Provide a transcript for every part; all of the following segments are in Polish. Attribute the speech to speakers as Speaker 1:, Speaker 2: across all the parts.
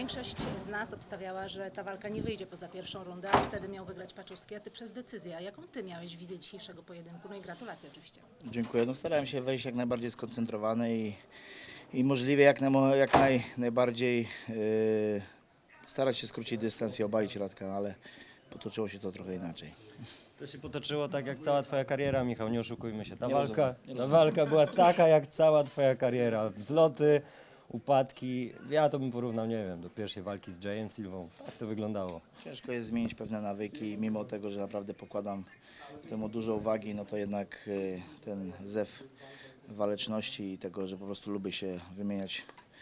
Speaker 1: Większość z nas obstawiała, że ta walka nie wyjdzie poza pierwszą rundę, a wtedy miał wygrać Paczuski, a ty przez decyzję. A jaką ty miałeś wizję dzisiejszego pojedynku? No i gratulacje oczywiście.
Speaker 2: Dziękuję. No starałem się wejść jak najbardziej skoncentrowany i możliwie najbardziej starać się skrócić dystans i obalić Radka, ale potoczyło się to trochę inaczej.
Speaker 3: To się potoczyło tak jak cała twoja kariera, Michał, nie oszukujmy się. Ta
Speaker 2: Nie rozumiem.
Speaker 3: walka była taka jak cała twoja kariera. Wzloty, upadki. Ja to bym porównał, nie wiem, do pierwszej walki z Jayem Silvą. Tak to wyglądało.
Speaker 2: Ciężko jest zmienić pewne nawyki, mimo tego, że naprawdę pokładam temu dużo uwagi, no to jednak ten zew waleczności i tego, że po prostu lubię się wymieniać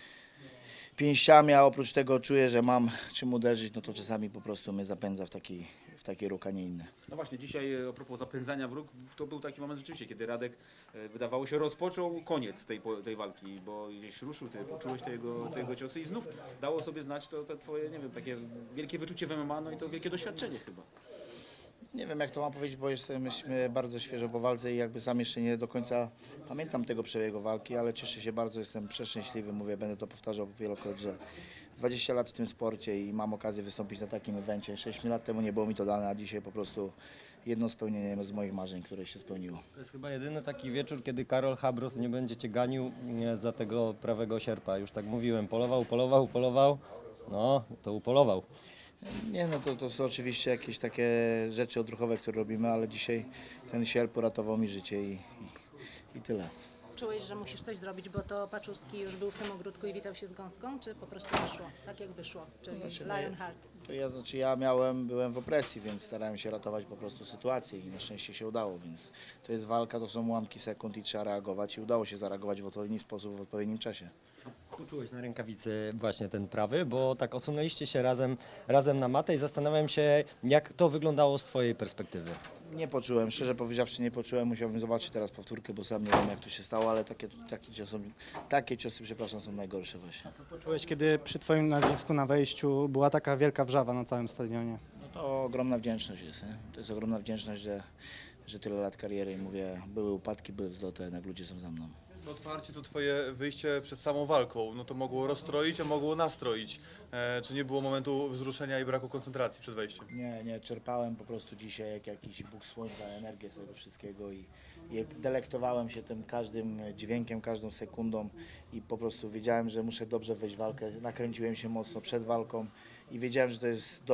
Speaker 2: pięściami, a oprócz tego czuję, że mam czym uderzyć, no to czasami po prostu mnie zapędza w takie ruch, a nie inne.
Speaker 4: No właśnie, dzisiaj a propos zapędzania w róg, to był taki moment rzeczywiście, kiedy Radek wydawało się rozpoczął koniec tej walki, bo gdzieś ruszył, ty poczułeś te jego ciosy i znów dało sobie znać to te twoje, nie wiem, takie wielkie wyczucie w MMA, no i to wielkie doświadczenie chyba.
Speaker 2: Nie wiem jak to mam powiedzieć, bo jesteśmy bardzo świeżo po walce i jakby sam jeszcze nie do końca pamiętam tego przebiegu walki, ale cieszę się bardzo, jestem przeszczęśliwy, mówię, będę to powtarzał wielokrotnie, że 20 lat w tym sporcie i mam okazję wystąpić na takim evencie. 6 lat temu nie było mi to dane, a dzisiaj po prostu jedno spełnienie z moich marzeń, które się spełniło.
Speaker 3: To jest chyba jedyny taki wieczór, kiedy Karol Habros nie będzie cię ganił za tego prawego sierpa. Już tak mówiłem, polował. No, to upolował.
Speaker 2: Nie, no to są oczywiście jakieś takie rzeczy odruchowe, które robimy, ale dzisiaj ten sierp uratował mi życie i tyle.
Speaker 1: Czułeś, że musisz coś zrobić, bo to Paczuski już był w tym ogródku i witał się z gąską, czy po prostu wyszło, tak jak wyszło, czyli Lionheart?
Speaker 2: Byłem w opresji, więc starałem się ratować po prostu sytuację i na szczęście się udało, więc to jest walka, to są ułamki sekund i trzeba reagować i udało się zareagować w odpowiedni sposób, w odpowiednim czasie.
Speaker 3: Poczułeś na rękawicy właśnie ten prawy, bo tak osunęliście się razem na matę i zastanawiam się, jak to wyglądało z twojej perspektywy.
Speaker 2: Nie poczułem, szczerze powiedziawszy nie poczułem, musiałbym zobaczyć teraz powtórkę, bo sam nie wiem jak to się stało, ale takie ciosy przepraszam, są najgorsze właśnie.
Speaker 5: Co poczułeś, kiedy przy twoim nazwisku na wejściu była taka wielka wrzawa na całym stadionie?
Speaker 2: No to ogromna wdzięczność jest, nie? To jest ogromna wdzięczność, że tyle lat kariery i mówię, były upadki, były wzloty, jednak ludzie są za mną.
Speaker 6: Otwarcie to twoje wyjście przed samą walką, no to mogło rozstroić, a mogło nastroić. Czy nie było momentu wzruszenia i braku koncentracji przed wejściem?
Speaker 2: Nie, czerpałem po prostu dzisiaj jak jakiś Bóg Słońca energię z tego wszystkiego i delektowałem się tym każdym dźwiękiem, każdą sekundą i po prostu wiedziałem, że muszę dobrze wejść w walkę. Nakręciłem się mocno przed walką i wiedziałem, że to jest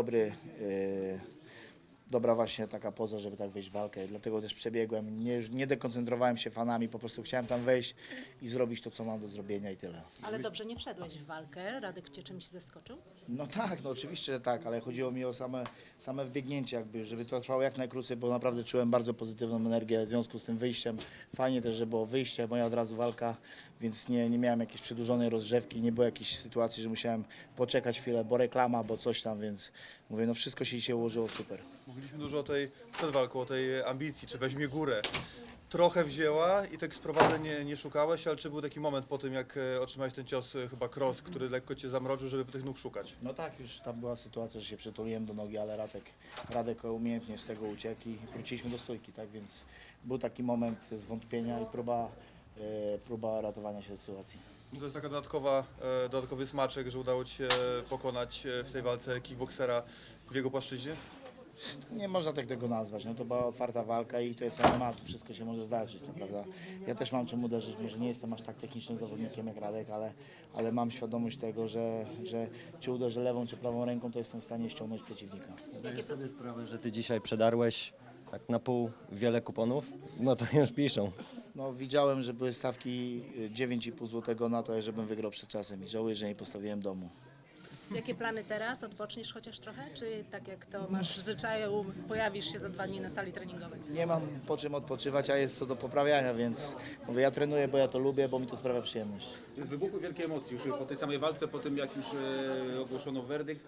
Speaker 2: dobra właśnie taka poza, żeby tak wejść w walkę. Dlatego też przebiegłem, nie dekoncentrowałem się fanami, po prostu chciałem tam wejść i zrobić to, co mam do zrobienia i tyle.
Speaker 1: Ale dobrze nie wszedłeś w walkę, Radek cię czymś zaskoczył?
Speaker 2: No tak, no oczywiście, że tak, ale chodziło mi o same wbiegnięcie jakby, żeby to trwało jak najkrócej, bo naprawdę czułem bardzo pozytywną energię w związku z tym wyjściem. Fajnie też, że było wyjście, moja od razu walka, więc nie miałem jakiejś przedłużonej rozgrzewki, nie było jakiejś sytuacji, że musiałem poczekać chwilę, bo reklama, bo coś tam, więc mówię, no wszystko się dzisiaj ułożyło super.
Speaker 6: Mówiliśmy dużo przed walką, o tej ambicji, czy weźmie górę. Trochę wzięła i tak sprowadzeń nie szukałeś, ale czy był taki moment po tym, jak otrzymałeś ten cios, chyba cross, który lekko cię zamroczył, żeby tych nóg szukać?
Speaker 2: No tak, już tam była sytuacja, że się przytuliłem do nogi, ale Radek umiejętnie z tego uciekł i wróciliśmy do stójki, tak więc był taki moment zwątpienia i próba ratowania się z sytuacji.
Speaker 6: To jest taka dodatkowy smaczek, że udało ci się pokonać w tej walce kickboksera w jego płaszczyźnie?
Speaker 2: Nie można tak tego nazwać, no to była otwarta walka i to jest MMA, tu wszystko się może zdarzyć, no, prawda? Ja też mam czym uderzyć, może nie jestem aż tak technicznym zawodnikiem jak Radek, ale mam świadomość tego, że czy uderzę lewą czy prawą ręką, to jestem w stanie ściągnąć przeciwnika.
Speaker 3: Zdajesz sobie sprawę, że ty dzisiaj przedarłeś tak na pół wiele kuponów? No to już piszą.
Speaker 2: No widziałem, że były stawki 9,5 zł na to, żebym wygrał przed czasem i żałuję, że nie postawiłem domu.
Speaker 1: Jakie plany teraz? Odpoczniesz chociaż trochę? Czy tak jak to masz w zwyczaju, pojawisz się za 2 dni na sali treningowej?
Speaker 2: Nie mam po czym odpoczywać, a jest co do poprawiania, więc mówię, ja trenuję, bo ja to lubię, bo mi to sprawia przyjemność.
Speaker 4: Jest wybuchły wielkie emocje już po tej samej walce, po tym jak już ogłoszono werdykt.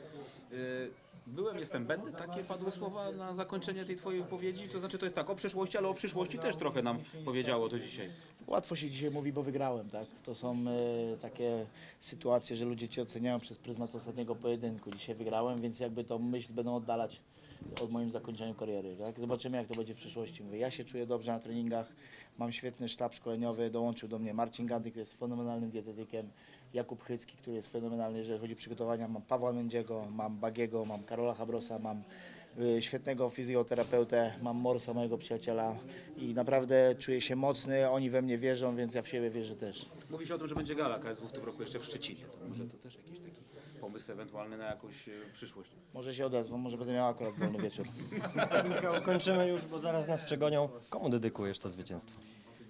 Speaker 4: Będę, takie padły słowa na zakończenie tej twojej wypowiedzi, to znaczy to jest tak o przeszłości, ale o przyszłości też trochę nam powiedziało to dzisiaj.
Speaker 2: Łatwo się dzisiaj mówi, bo wygrałem, tak? To są takie sytuacje, że ludzie cię oceniają przez pryzmat ostatniego pojedynku. Dzisiaj wygrałem, więc jakby tą myśl będą oddalać od moim zakończeniu kariery. Tak? Zobaczymy, jak to będzie w przyszłości. Mówię, ja się czuję dobrze na treningach, mam świetny sztab szkoleniowy, dołączył do mnie Marcin Gandy, który jest fenomenalnym dietetykiem, Jakub Chycki, który jest fenomenalny, jeżeli chodzi o przygotowania. Mam Pawła Nędziego, mam Bagiego, mam Karola Habrosa, mam świetnego fizjoterapeutę, mam Morsa, mojego przyjaciela i naprawdę czuję się mocny, oni we mnie wierzą, więc ja w siebie wierzę też.
Speaker 4: Mówi się o tym, że będzie gala KSW w tym roku jeszcze w Szczecinie. To może to też jakiś taki pomysł ewentualny na jakąś przyszłość.
Speaker 2: Może się odezwą, może będę miał akurat wolny wieczór.
Speaker 3: Michał, kończymy już, bo zaraz nas przegonią. Komu dedykujesz to zwycięstwo?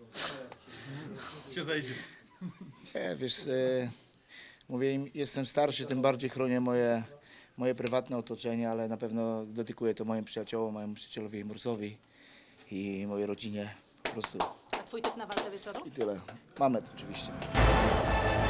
Speaker 6: Się zejdzie.
Speaker 2: Nie, wiesz, mówię im, jestem starszy, tym bardziej chronię moje prywatne otoczenie, ale na pewno dedykuję to moim przyjaciołom, mojemu przyjacielowi Morsowi i mojej rodzinie. Po prostu
Speaker 1: A twój typ na walkę wieczoru?
Speaker 2: i tyle. Mamy to oczywiście.